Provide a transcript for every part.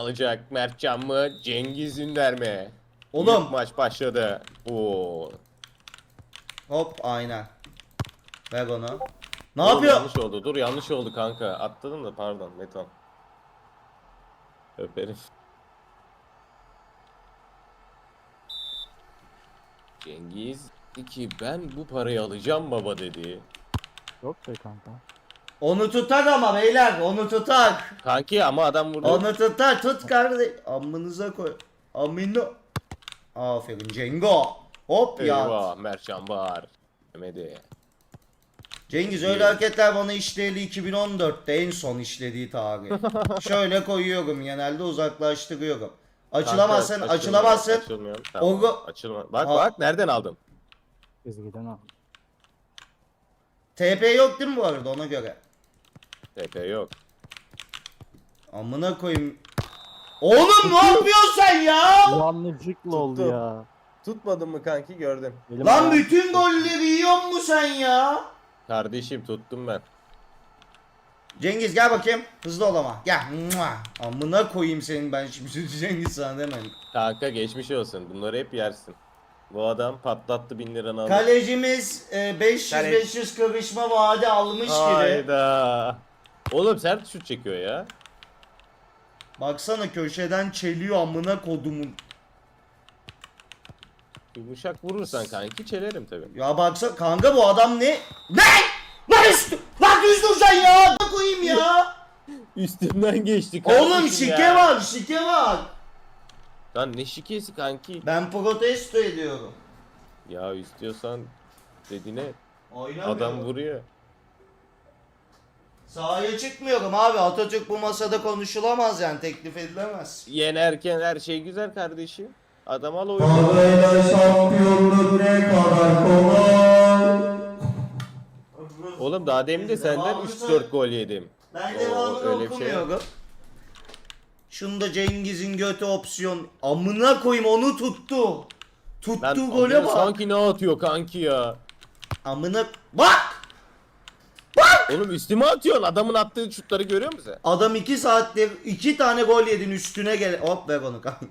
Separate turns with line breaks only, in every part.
alacak? Mertcan mı? Cengiz Ünder mi?
Oğlum.
İlk maç başladı. Oo.
Hop aynen. Ver onu. Ne
Oğlum
yapıyor?
yanlış oldu. Dur yanlış oldu kanka. Atladım da pardon. Metan. Öperim. Cengiz 2 ben bu parayı alacağım baba dedi.
Yok be kanka.
Onu tutar ama beyler, onu tutar.
Kanki ama adam vurdu.
Onu tutar, tut kardeş. Amınıza koy. Amino. Aferin Cengo. Hop ya.
Eyvah Mertcan var. Demedi.
Cengiz öyle hareketler bana işleyeli 2014'te en son işlediği tarih. Şöyle koyuyorum genelde uzaklaştırıyorum. Açılamazsın,
Kanka,
açılamazsın.
Açılmıyor. Tamam.
Olgu-
Açılma. Bak
Ha.
bak nereden aldın?
Çizgiden al.
TP yok değil mi bu arada ona göre?
TP yok.
Amına koyayım. Oğlum ne yapıyorsun sen ya?
Yanlışlıkla oldu
Tuttum.
ya.
Tutmadın mı kanki gördüm.
Elim
Lan
ayağım-
bütün golleri yiyor mu sen ya?
Kardeşim tuttum ben.
Cengiz gel bakayım. Hızlı ol ama. Gel. Mua. Amına koyayım senin ben şimdi Cengiz sana demedim.
Kanka geçmiş olsun. Bunları hep yersin. Bu adam patlattı 1000 liranı aldı.
Kalecimiz 500 kırışma vaadi almış gibi.
Hayda. Oğlum sert şut çekiyor ya.
Baksana köşeden çeliyor amına kodumun.
Yumuşak vurursan kanki çelerim tabi.
Ya baksana kanka bu adam ne? Ne? Lan üstü! Lan düz duracaksın ya! Ne koyayım ya?
Üstümden geçti kardeşim
Oğlum
ya.
şike var, şike var.
Lan ne şikesi kanki?
Ben protesto ediyorum.
Ya istiyorsan dediğine
Oynamıyorum.
adam vuruyor.
Sahaya çıkmıyorum abi. Atatürk bu masada konuşulamaz yani teklif edilemez.
Yenerken her şey güzel kardeşim. Adam al oyunu.
Parayla şampiyonluk ne kadar kolay.
Oğlum daha demin de senden
Devamını
3-4 gol yedim.
Ben
Oo,
devamını
öyle bir şey
okumuyorum. Şunda Cengiz'in götü opsiyon. Amına koyayım onu tuttu. Tuttu
Lan
gole
adam
bak.
sanki ne atıyor kanki ya.
Amına bak.
Oğlum üstüme atıyorsun. Adamın attığı şutları görüyor musun?
Adam 2 saattir 2 tane gol yedin üstüne gel. Hop ver onu kanka.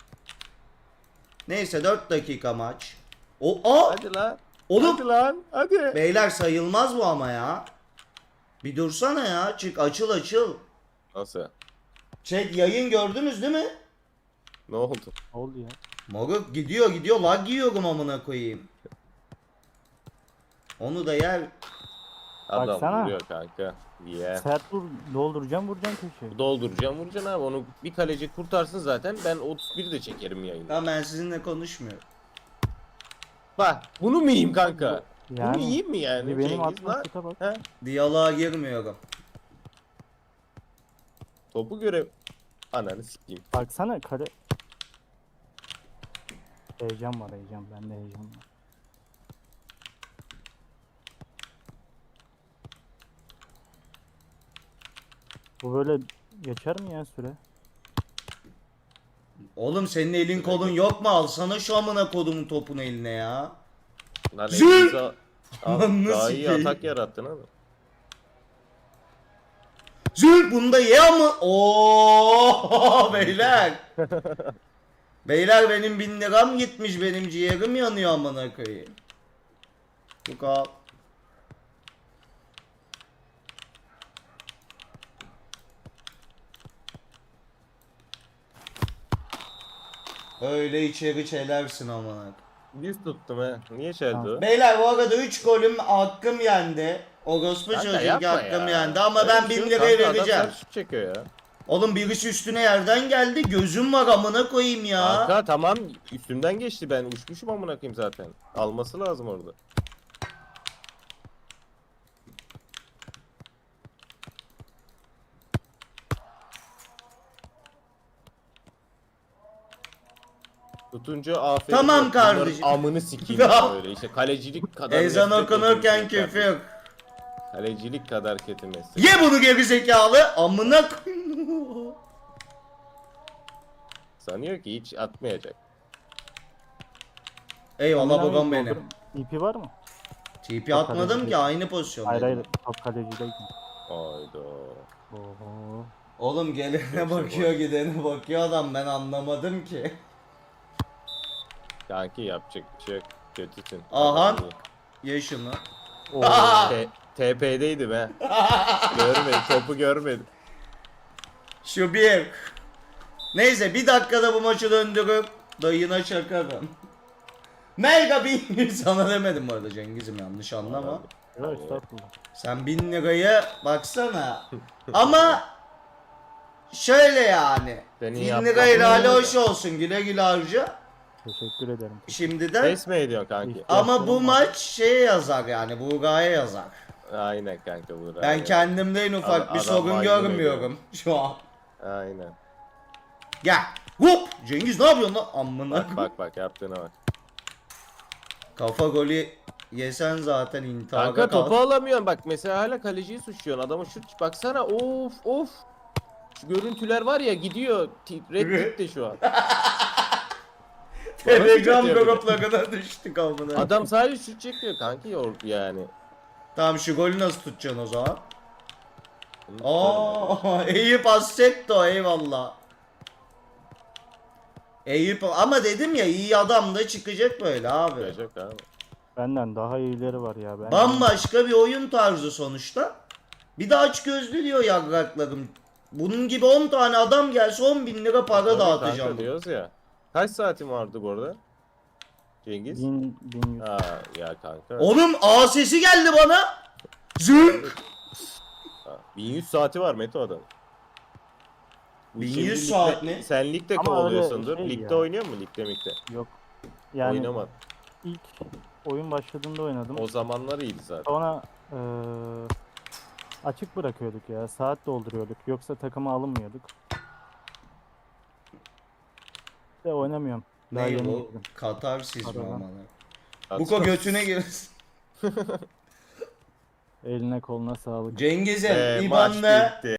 Neyse 4 dakika maç.
Hadi lan.
Oğlum
Hadi lan. Hadi.
beyler sayılmaz bu ama ya. Bir dursana ya. Çık açıl açıl.
Nasıl?
Chat yayın gördünüz değil mi?
Ne oldu?
Ne oldu ya?
Moruk gidiyor lag yiyorum amına koyayım. Onu da yer.
Adam
Baksana.
vuruyor kanka. Yeah.
Sert vur, dolduracağım vuracaksın köşeye.
Dolduracağım vuracaksın abi. Onu bir kaleci kurtarsın zaten. Ben 31 de çekerim yayını.
Ya ben sizinle konuşmuyorum.
Bak bunu mu yiyeyim kanka? Bunu
Yani,
yiyeyim mi yani?
Benim
Cengiz
attığım
lan?
şuta bak.
He?
Diyaloğa girmiyorum.
Topu göre... Ananı sikeyim.
Baksana kale. Heyecan var heyecan. Bende heyecan var. Bu böyle geçer mi ya süre?
Oğlum senin elin kolun yok mu? Alsana şu amına kodumun topunu eline ya.
Lan
Zül!
elinize al.
Lan
Daha
nasıl
iyi
ki?
atak yarattın abi.
Zül bunda ye ama. Oo beyler. Beyler benim 1000 liram gitmiş, benim ciğerim yanıyor amına koyayım. Bu kal. Öyle içeri çelersin amına.
Diz tuttum he. Niye çeldi o?
Beyler bu arada 3 golüm hakkım yendi. Orospu
Kanka
çocuğu
yapma
hakkım
ya.
yendi ama
Öyle
ben
bir şey
1000
yok
liraya
kanka,
vereceğim.
Adam sert şut çekiyor ya.
Oğlum birisi üstüne yerden geldi. Gözüm var amına koyayım ya.
Kanka tamam üstümden geçti ben uçmuşum amına koyayım zaten. Alması lazım orada. Tutunca aferin.
Tamam
yok.
kardeşim.
Bunların amını sikeyim ya böyle işte kalecilik kadar
Ezan
nefret
okunurken
ediyorum kardeşim.
küfür.
Kalecilik kadar kötü meslek.
Ye bunu geri zekalı. Amına koyayım.
Sanıyor ki hiç atmayacak.
Eyvallah
Amına
babam
koyayım,
benim.
doldur. İpi var mı?
TP atmadım ki aynı pozisyon.
Hayır hayır. Top kalecideyken.
Hayda.
Oho.
Oğlum gelene bakıyor gidene bakıyor adam, ben anlamadım ki.
Kanki yapacak bir şey yok. Kötüsün.
Aha.
Adam iyi.
Ye şunu.
Oo.
TP'deydim he. Görmedim, topu görmedim.
Şu bir. Neyse bir dakikada bu maçı döndürüp dayına çakarım. Mega 1000 sana demedim bu arada Cengiz'im, yanlış anlama.
Yok estağfurullah.
Sen 1000 liraya baksana. Ama şöyle yani.
Senin
1000
yaptığın
lirayla hali
ne
hoş olsun, güle güle harca.
Teşekkür ederim.
Şimdiden.
Pes mi ediyorsun kanki?
Ama bu maç şeye yazar yani, Buğra'ya yazar.
Aynen kanka bu.
Ben kendimde en ufak bir
Adam
sorun
maymun
görmüyorum şu an.
Aynen.
Gel. Hop! Cengiz ne yapıyorsun lan? Amına.
Bak bak bak yaptığına bak.
Kafa golü yesen zaten intihara
Kanka
kal.
topu alamıyorsun bak, mesela hala kaleciyi suçluyorsun. Adamı şut baksana, of of. Şu görüntüler var ya, gidiyor. Red gitti şu an.
Telegram
Bana şut
gruplarına düştük amına.
Adam sadece şut çekiyor kanki yani.
Tamam şu golü nasıl tutacaksın o zaman?
Bunu tutarım ben.
Eyüp Assetto eyvallah. Eyüp ama dedim ya, iyi adam da çıkacak böyle abi.
Yapacak abi.
Benden daha iyileri var ya. Ben
Bambaşka bir oyun tarzı sonuçta. Bir de aç gözlü diyor yagraklarım. Bunun gibi 10 tane adam gelse 10.000 lira para
Tabii
dağıtacağım.
kanka diyoruz ya. Kaç saatin vardı bu arada? Cengiz?
1100.
Ha ya kanka.
Oğlum A sesi geldi bana. Zünk.
Ha, 1100 saati var Meto adam. Bu
1100
şimdi
saat mi?
Sen ligde
Ama
kovalıyorsundur.
öyle şey
Ligde
ya.
oynuyor mu? Ligde mikte?
Yok. Yani
Oynamadı.
ilk oyun başladığında oynadım.
O zamanlar iyiydi zaten.
Sonra açık bırakıyorduk ya. Saat dolduruyorduk. Yoksa takıma alınmıyorduk. De oynamıyorum. Daha
Ne
yeni
bu?
girdim.
Katarsiz mi
Aradan.
amına? Buko götüne girsin.
Eline koluna sağlık.
Cengiz'im
Maç
İban'la
bitti.